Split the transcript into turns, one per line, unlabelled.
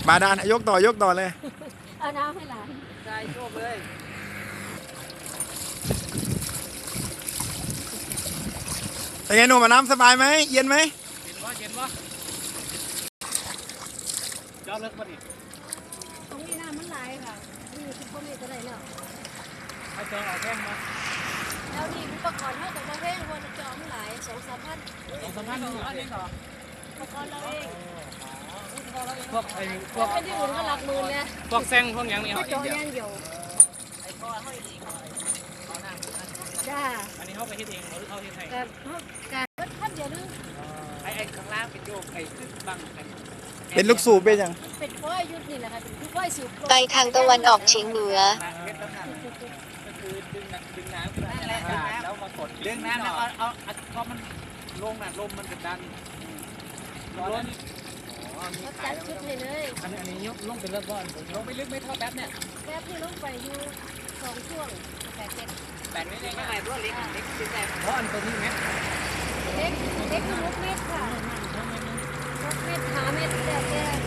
บาดาลยกต่อยกต่อเลย
เอาน้ำให้หลาน
ได้โชคเลย
เป็นไงหนุ่มอาบน้ำสบายไหมเย็นไหม
เย็นวะเย็นวะยอดเลิกป่ะนี่
ตรงนี้น้ำมันไหลค่ะนี่คือคนนี้จะได้แล้ว
ให้เจอออกแข้งมา
แล้วนี่อุปกรณ์เท่ากับว่าแพงคนจอมหลาย2-3 พัน
2-3 พันนี่เหรอนี่เหรอ
อุปกรณ์เราเอง
พวกไอ้พวก
เป็นที่อื่นก็หลักหมื่นเลย
พวกแซงพวกหยังนี่
ก็
เอา
จอย่างเดียว
ไอ้พ่อเขาเองเขาหน้า
จ้า
อันนี้เขาไปเฮ็ดเองหรือเขาเฮ็ดให้
แต่ก็ท่านเดียวนึง
ไอ้ข้างล่างเป็นโยกไอ้ขึ้นบังกัน
เป็นลูกสูบเป็นยัง
เป็นฝ้ายยุดนี่แหละค่ะเป็นฝ้ายสิบ
ไปทางตะวันออกเฉียงเหนือ
เฮ็ดตั้งนานก็คือดึงน้ำนั่นแหละแล้วมากดดึงน้ำแล้วเอาพอมันลงน่ะลมมันจะดันร้อน
เขาจัดชุดให้เลย
อันนี้ยกลงเป็นเรื่องบอลลงไปลึกไม่เท่าแป๊บเนี่ย
แป๊บที่ลงไปอยู่2 ช่วง8-7
แปดไม่ได้ไม่ได้ด้วยเล็กเล็กเป็นแต่เพราะอันตัวนี้ไหม
เล็กคือ6 เมตรค่ะ6 เมตร5 เมตรแต่